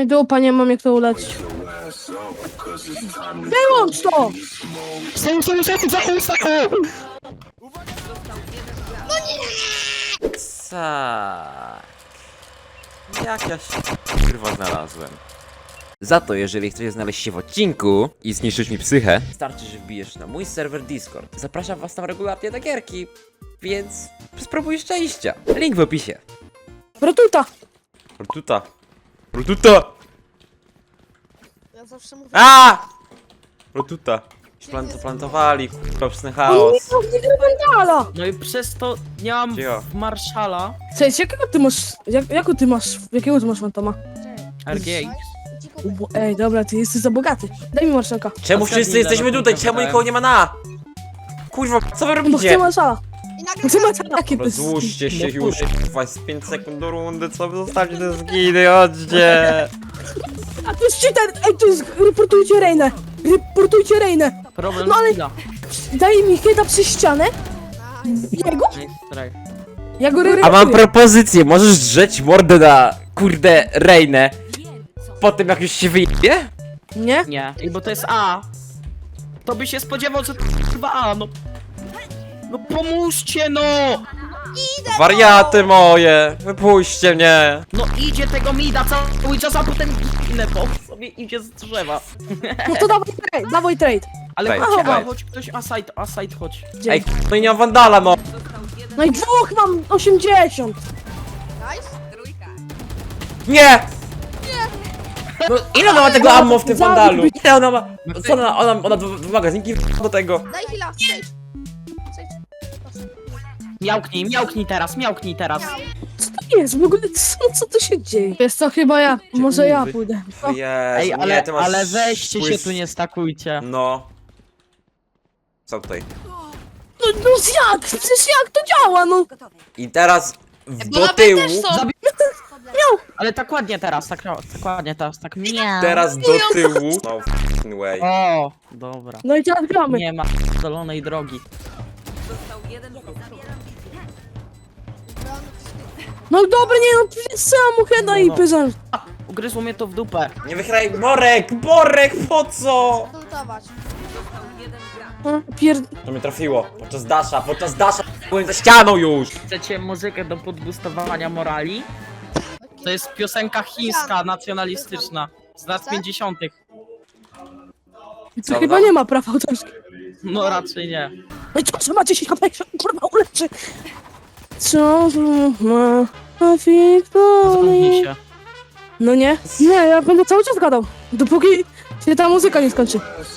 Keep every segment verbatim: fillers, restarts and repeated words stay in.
i dupa, nie mam jak to uleczyć. Wyłącz to! Tak. Jak ja się kurwa znalazłem. Za to, jeżeli chcesz znaleźć się w odcinku i zniszczyć mi psychę, wystarczy, że wbijesz na mój serwer Discord. Zapraszam was tam regularnie do gierki, więc spróbuj szczęścia. Link w opisie. Rotuta! Rotuta. Rotuta! Ja zawsze mówię. A! Rotuta. Plant plantowali, kurwa, psy chaos. O nie, nie Wandala! No i przez to nie mam Cicho. w Marszala Cześć, jakiego ty masz, jak, jaką ty masz, jakiego ty masz fantoma? R G X. Ubo, ej, dobra, ty jesteś za bogaty. Daj mi marszalka. Czemu A wszyscy zgadnij, jesteśmy ile tutaj? na Czemu tym nikogo nie ma na? Kurwa, co wy Bo chcę robicie? marszala. I Bo nagle chcę marszala. Jakie to jest... Rozłóżcie się No już, kurwa, jest pięć sekund do rundy, co wy zostawcie te zginy, chodźcie! A to jest cheater! Ej, to jest... Reportujcie Reinę! Reportujcie Reinę! Problem No ale- chwila. Daj mi hita przez ścianę. Jego? Nice try. Ja go A reportuję. mam propozycję, możesz drzeć mordę na, kurde, Reinę po tym jak już się wyjdzie? Nie? Nie, Ej, bo to jest A. To by się spodziewał, że to chyba A, no. No pomóżcie, no! Wariaty moje, wypuśćcie mnie! No idzie tego mida cały czas, a potem inne bo sobie idzie z drzewa. No to dawaj trade, dawaj trade. Ale Wejdź, chodź, a, wejdź. chodź ktoś aside, aside chodź. Ej, no i nie mam wandala, no! No i dwóch mam osiemdziesiąt. Nice. Nie! No ile ona ma tego ammo w tym Zabić wandalu? by- Ile ona ma? Co ona, ona, ona dwa dwa magazynki do tego? Daj chwila. Zejdź. Zejdź. Proszę. Miałknij, miałknij teraz, miałknij teraz. Miał. Co to jest? W ogóle co, co to się dzieje? Wiesz co, chyba ja. Może ja pójdę. O, Jezu, Ej, nie, ale, ty masz ale weźcie się spływ- tu nie stakujcie. No. Co tutaj? no, no jak? Przecież jak to działa, no? I teraz w, do tyłu, Ale tak ładnie teraz, tak, tak ładnie teraz, tak miau. teraz do tyłu. No f***ing way. O, dobra. No i teraz gramy. Nie ma dolonej drogi. No dobra, nie no, przecież sam heada i No. pyzam. Ugryzło mnie to w dupę. Nie wychylaj, Borek, Borek, po co? Lutować. Pier... To mnie trafiło, podczas dasza, podczas dasza, byłem za ścianą już. Chcecie muzykę do podbustowania morali? To jest piosenka chińska, nacjonalistyczna. Z lat pięćdziesiątych. To Co, chyba no? nie ma praw autorskich. No raczej nie. No i co, że ma dziesięć H P, kurwa uleczy. Co to ma? A Wiktorii? Zamknij się. No nie, nie, ja będę cały czas gadał. Dopóki się ta muzyka nie skończy.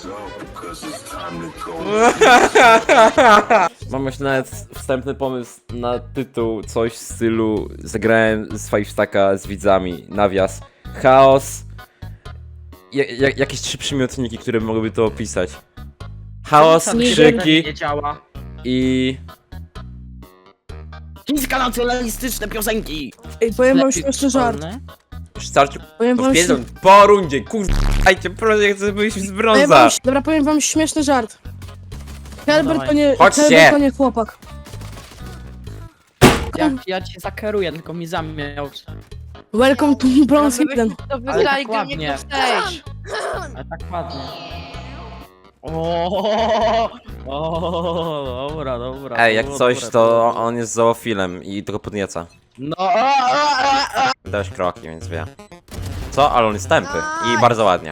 Mam już nawet wstępny pomysł na tytuł, coś w stylu zagrałem z Five Stacka z widzami, nawias, chaos, ja, ja, jakieś trzy przymiotniki, które mogłyby to opisać. Chaos, Nie krzyki nie działa. i... Chińska nacjonalistyczne piosenki. Ej, powiem wam Lepiej śmieszny żart. szkolne. Już starczy, Powiem to wam, wpierdol, śmie- po rundzie, kurwa, dajcie, proszę, ja chcę wyjść z powiem brąza. wam, dobra, powiem wam śmieszny żart. Herbert dawaj. to nie, Chodźcie. Herbert to nie chłopak. Jak ja cię zakeruję, tylko mi zamiał. Welcome to Bronze Eden. To Ale wygrali tak go ładnie. nie stage. Ale tak ładnie. O, o, dobra, dobra. Ej, jak dobra, coś, dobra, to dobra. on jest zoofilem i tylko podnieca. No, a, a, a. Dałeś kroki, więc wie. Co? Ale on jest tępy i bardzo ładnie.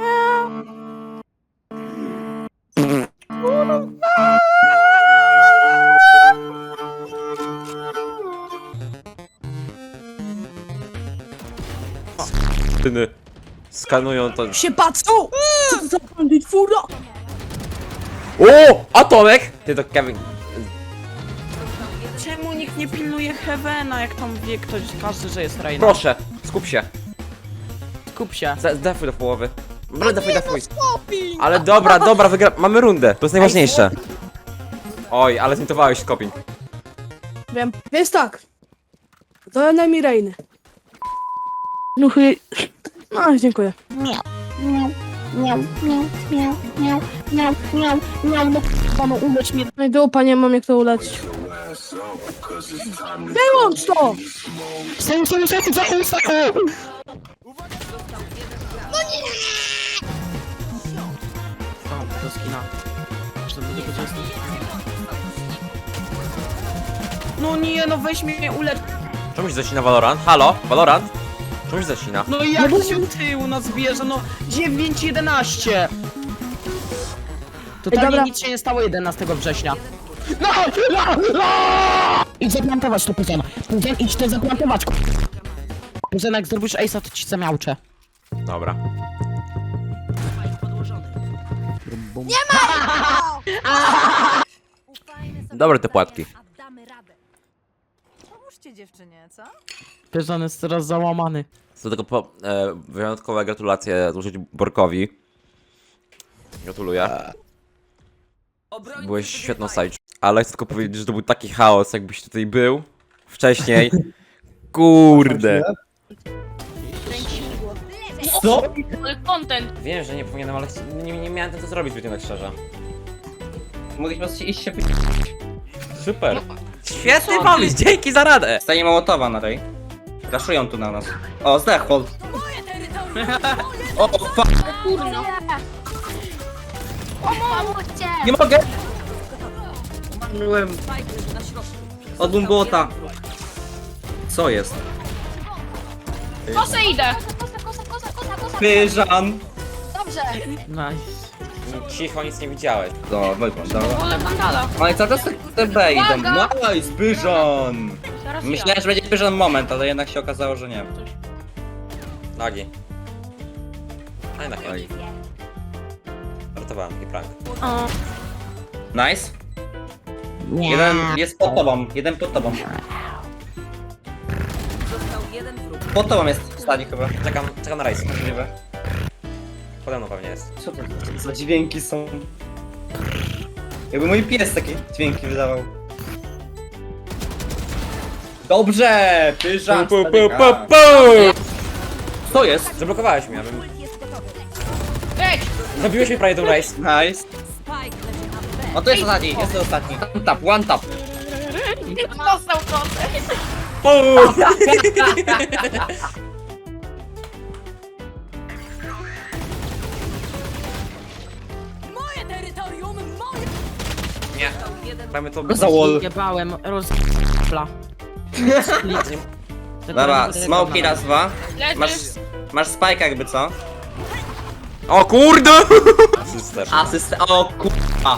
Tyny skanują to. Się patrzą! Co to za bandit fura? O! Atomek! Ty to Kevin. Czemu nikt nie pilnuje Heavena, jak tam wie ktoś, każdy, że jest Reina? Proszę, skup się. Skup się. Zdefuj do połowy. Dobra, defuj, defuj. Ale dobra, dobra, wygra... Mamy rundę. To jest najważniejsze. Oj, ale zintowałeś skoping. Wiem, więc tak. To najmniej Reiny. No chuj. No, dziękuję. Panu ulecz mnie. No i dupa, nie mam jak to uleczyć. Wyłącz to! Tam, do skina. Jeszcze do tego, co jest tu. No nie, no weź mnie ulecz. Czemuś zacina Valorant? Halo? Valorant? Czemuś zacina? No i jak się tył nas bierze, no dziewięć jedenaście. Totalnie dobra. nic się nie stało jedenastego września. No, no, no! Idź zaplantować to, Puzen. Puzen, idź to zaplantować. Puzen, jak zrobisz ace'a, to ci zamiałczę. Dobra. Dobre te płatki. Damy radę. Pomóżcie dziewczynie, co? Puzen jest teraz załamany. Co tylko po, e, wyjątkowe gratulacje złożyć Borkowi. Gratuluję. Byłeś świetną side. Ale chcę tylko powiedzieć, że to był taki chaos, jakbyś tutaj był wcześniej. Kurde. Co? Content. Wiem, że nie powinienem, ale chci- nie, nie miałem co zrobić, zbyt tak szczerze. Mogliśmy iść się Super. Świetny pomysł, dzięki za radę. Stanie Mołotowa na tej. Raszują tu na nas. O, zdechł. O, fuck. Kurno. Pomóżcie! Nie mogę! Umarłem. Od Bumbota. Co jest? Kosę idę. Kosa, kosa, kosa, kosa, kosa! Pyżan. Dobrze! Nice. Cicho, nic nie widziałeś. No, wygląd, dobra. Wolę Vandala. No i cały czas te- te B idą. Uwaga! Nice, Pyżan. Zaraz Myślałem, że będzie Pyżan moment, ale jednak się okazało, że nie. Nagi. A jednak nie. Żartowałem, taki prank. O, Nice. Jeden jest pod tobą, jeden pod tobą. Pod tobą jest w stanie chyba. Czekam, czekam na rejs. Możliwe. Pode mną pewnie jest. Co to za dźwięki są? Jakby mój pies takie dźwięki wydawał. Dobrze! Pyżan! Pu, pu, pu, stadyka. pu, pu. Co jest? Zablokowałeś mnie, abym... Ej! Zabiłeś mnie prawie tą rejs. Nice. O, to jest ostatni, jest to ostatni. One tap, one tap. Dostał kosę. Nie. Mamy to... Za wall. Jebałem, rozpla. Dobra, smoki raz, dwa. Masz, Leży. masz spike jakby co? O kurde! Asyster. Asyst... O kurwa.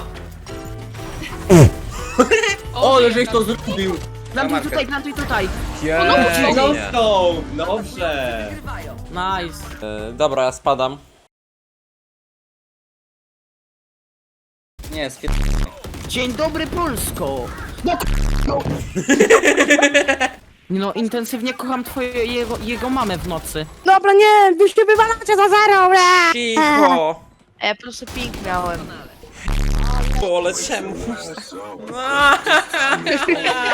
O, jeżeli to zrobił. Plantuj tutaj, plantuj tutaj. No, Nie. no, dobrze. Nice. E, dobra, ja spadam. Nie, skie... Dzień dobry, Polsko. No, Nie no, intensywnie kocham twoje, jego, jego mamę w nocy. Dobra, nie, wy się wywalacie za zero, ble! Cicho! Ja po prostu ping miałem. Ale czemu?